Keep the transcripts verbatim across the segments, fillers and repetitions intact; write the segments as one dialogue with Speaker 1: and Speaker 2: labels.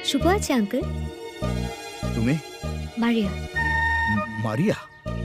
Speaker 1: শুভ আছে আঙ্কেল।
Speaker 2: তুমি?
Speaker 1: মারিয়া।
Speaker 2: মারিয়া?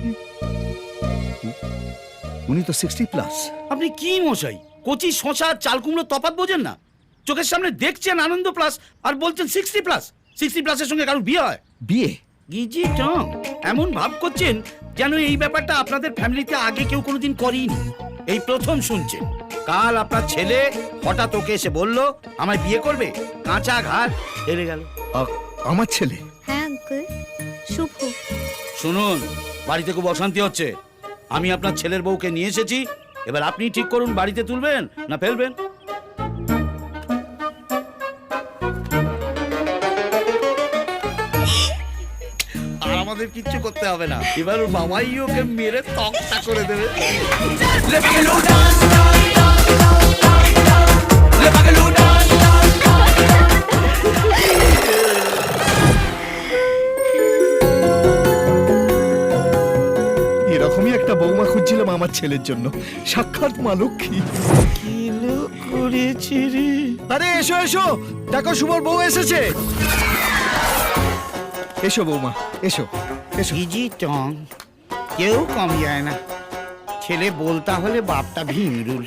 Speaker 2: উনি তো সিক্সটি প্লাস।
Speaker 3: আপনি কি মশাই, কচি শশা চাল কুমড়ো তফাৎ বোঝেন না? চোখের সামনে দেখছেন আনন্দ প্লাস আর বলছেন সিক্সটি প্লাস। সিক্সটি প্লাসের সঙ্গে কারোর বিয়ে হয়?
Speaker 2: বিয়ে?
Speaker 3: গিজি টং, এমন ভাব করছেন যেন এই ব্যাপারটা আপনাদের ফ্যামিলিতে আগে কেউ কোনোদিন করেনি, এই প্রথম শুনছেন। কাল আপনার ছেলে হঠাৎ ওকে এসে বলল আমায় বিয়ে করবে, কাঁচা ঘাট হেরে গেল।
Speaker 2: আ- আমার ছেলে?
Speaker 1: হ্যাঁ আঙ্কেল, শুভ।
Speaker 3: শুনুন, বাড়িতে খুব অশান্তি হচ্ছে। আমি আপনার ছেলের বউকে নিয়ে এসেছি, এবার আপনি ঠিক করুন বাড়িতে তুলবেন না ফেলবেন। আর আমাদের কিচ্ছু করতে হবে না, এবার ওর বাবাই ওকে মেরে তক্তা করে দেবে।
Speaker 2: এরকমই একটা বৌমা খুঁজছিলাম আমার ছেলের জন্য। সাক্ষাৎ মা লক্ষ্মী।
Speaker 3: কি লোক করেছি রে।
Speaker 2: আরে এসো এসো, দেখো শুভর বউ এসেছে। এসো বৌমা, এসো এসো।
Speaker 3: গিজি টং, কেউ কম যায় না। ছেলে বলতা হলে বাপটা ভিমরুল।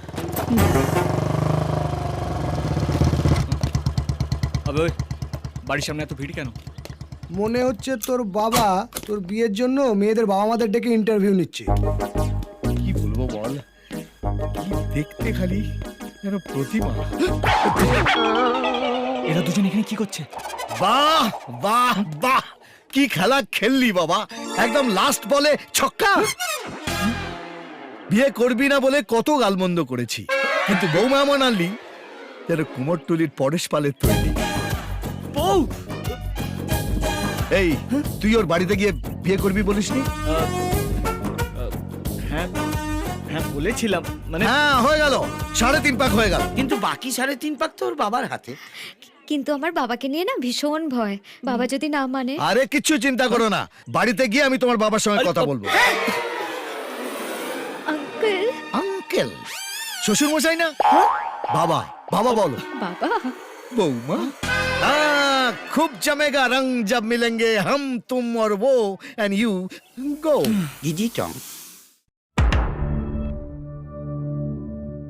Speaker 4: আবে ওই বাড়ির সামনে এত ভিড় কেন?
Speaker 5: মনে হচ্ছে তোর বাবা তোর বিয়ের জন্য মেয়েদের বাবা মাদের ডেকে ইন্টারভিউ নিচ্ছে।
Speaker 2: কি বলবো বল, কি দেখতে খালি যেন প্রতিমা।
Speaker 4: এরা দুজন এখানে কি করছে?
Speaker 2: বাহ বাহ বাহ, কি খেলা খেললি বাবা, একদম লাস্ট বলে ছক্কা। বিয়ে করবি না বলে কত গালমন্দ করেছি, কিন্তু বৌমা এমন আনলি যেন কুমোরটুলির পরেশ পালের তৈরি।
Speaker 4: বউ!
Speaker 2: এই তুই ওর বাড়িতে গিয়ে বিয়ে করবি বলিসনি?
Speaker 4: হ্যাঁ হ্যাঁ বলেছিলাম, মানে
Speaker 2: হ্যাঁ হয়ে গেল, সাড়ে তিন পাক হয়ে গেল।
Speaker 3: কিন্তু বাকি সাড়ে তিন পাক তো ওর বাবার হাতে।
Speaker 1: কিন্তু আমার বাবাকে নিয়ে না ভীষণ ভয়, বাবা যদি না মানে।
Speaker 2: আরে কিচ্ছু চিন্তা করো না, বাড়িতে গিয়ে আমি তোমার বাবার সঙ্গে কথা বলবো।
Speaker 1: আঙ্কেল।
Speaker 2: আঙ্কেল? শ্বশুর মশাই না? বাবা বাবা বলো।
Speaker 1: বাবা।
Speaker 2: বৌমা? हाँ, खूब जमेगा रंग जब मिलेंगे हम तुम और वो एंड यू गो।
Speaker 3: গিজি টং,